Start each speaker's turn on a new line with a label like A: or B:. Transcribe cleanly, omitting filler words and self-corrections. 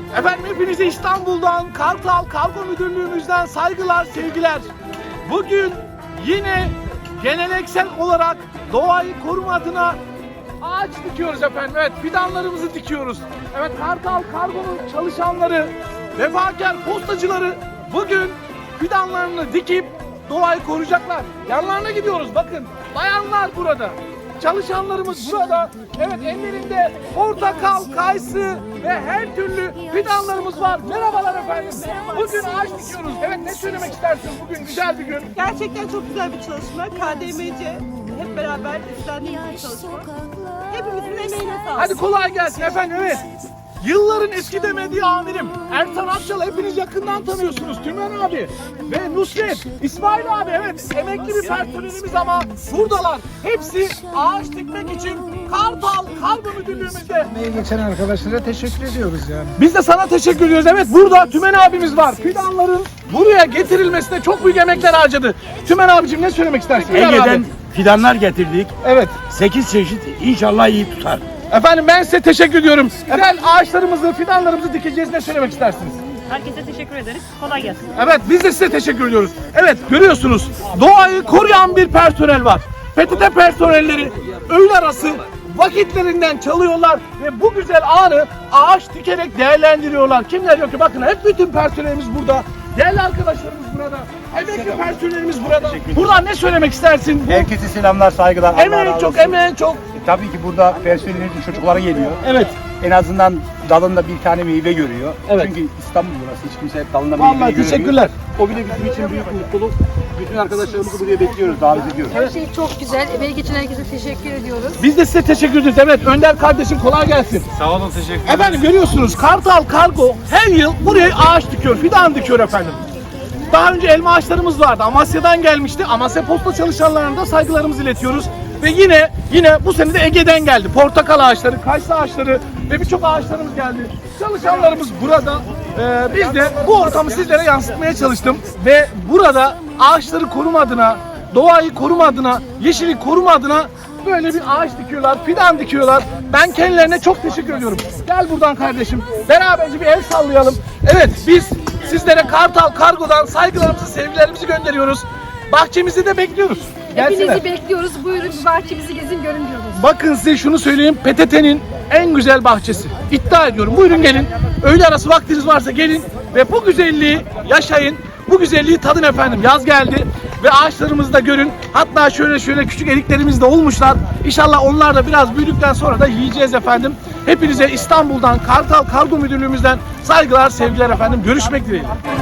A: Efendim hepinize İstanbul'dan, Kartal Kargo Müdürlüğümüzden saygılar, sevgiler. Bugün yine geleneksel olarak doğayı koruma adına ağaç dikiyoruz efendim. Evet, fidanlarımızı dikiyoruz. Evet, Kartal Kargo'nun çalışanları, vefakar postacıları bugün fidanlarını dikip doğayı koruyacaklar. Yanlarına gidiyoruz, bakın. Bayanlar burada. Çalışanlarımız burada. Evet, ellerinde portakal, kayısı ve her türlü fidanlarımız var. Merhabalar efendim. Bugün ağaç dikiyoruz. Evet, ne söylemek istersiniz? Bugün güzel bir gün.
B: Gerçekten çok güzel bir çalışma. KDMC hep beraber üstlendiğimiz bir çalışma. Hepimizin emeğine sağlık.
A: Hadi kolay gelsin efendim. Evet. Yılların eski demediği amirim Ertan Akçal, hepiniz yakından tanıyorsunuz. Tümen abi ve Nusret, İsmail abi, evet, emekli bir personelimiz ama buradalar. Hepsi ağaç dikmek için Kartal Kargo Müdürlüğümüzde.
C: Emeği geçen arkadaşlara teşekkür ediyoruz yani.
A: Biz de sana teşekkür ediyoruz. Evet, burada Tümen abimiz var. Fidanların buraya getirilmesine çok büyük emekler harcadı. Tümen abicim, ne söylemek istersin?
D: Ege'den fidanlar getirdik.
A: Evet.
D: 8 çeşit, inşallah iyi tutar.
A: Efendim ben size teşekkür ediyorum. Güzel ağaçlarımızı, fidanlarımızı dikeceğiz. Ne söylemek istersiniz?
E: Herkese teşekkür ederiz. Kolay gelsin.
A: Evet, biz de size teşekkür ediyoruz. Evet, görüyorsunuz, doğayı koruyan bir personel var. PTT personelleri öğle arası vakitlerinden çalıyorlar ve bu güzel anı ağaç dikerek değerlendiriyorlar. Kimler yok ki? Bakın, hep bütün personelimiz burada. Değerli arkadaşlarımız burada. Emekli personelimiz burada. Buradan ne söylemek istersin?
F: Herkese selamlar, saygılar. Allah
A: Emeğin
F: razı
A: çok,
F: olsun.
A: emeğin çok.
F: Tabii ki burada personelin çocukları geliyor.
A: Evet.
F: En azından dalında bir tane meyve görüyor.
A: Evet.
F: Çünkü İstanbul burası, hiç kimse dalında meyve
A: Vallahi
F: görmüyor.
A: teşekkürler.
F: O bile bizim için büyük mutluluk. Bütün arkadaşlarımızı buraya bekliyoruz, davet ediyoruz.
G: Her şey çok güzel. Emeği geçen herkese teşekkür ediyoruz.
A: Biz de size teşekkür ederiz. Evet, Önder kardeşim, kolay gelsin.
D: Sağ olun, teşekkür ederim.
A: Efendim görüyorsunuz, Kartal Kargo her yıl buraya ağaç dikiyor, fidan dikiyor efendim. Daha önce elma ağaçlarımız vardı. Amasya'dan gelmişti. Amasya Posta çalışanlarına da saygılarımızı iletiyoruz. Ve yine bu sene de Ege'den geldi. Portakal ağaçları, kayısı ağaçları ve birçok ağaçlarımız geldi. Çalışanlarımız burada. Biz de bu ortamı sizlere yansıtmaya çalıştım. Ve burada ağaçları koruma adına, doğayı koruma adına, yeşili koruma adına böyle bir ağaç dikiyorlar, fidan dikiyorlar. Ben kendilerine çok teşekkür ediyorum. Gel buradan kardeşim. Beraberce bir el sallayalım. Evet, biz sizlere Kartal Kargo'dan saygılarımızı, sevgilerimizi gönderiyoruz. Bahçemizi de bekliyoruz. Gelsinler.
G: Hepinizi bekliyoruz. Buyurun bir bahçemizi gezin, görün diyoruz.
A: Bakın size şunu söyleyeyim. PTT'nin en güzel bahçesi. İddia ediyorum. Buyurun gelin. Öğle arası vaktiniz varsa gelin ve bu güzelliği yaşayın. Bu güzelliği tadın efendim. Yaz geldi ve ağaçlarımızı da görün. Hatta şöyle küçük eriklerimiz de olmuşlar. İnşallah onlar da biraz büyüdükten sonra da yiyeceğiz efendim. Hepinize İstanbul'dan, Kartal Kargo Müdürlüğümüzden saygılar, sevgiler efendim. Görüşmek dileğiyle.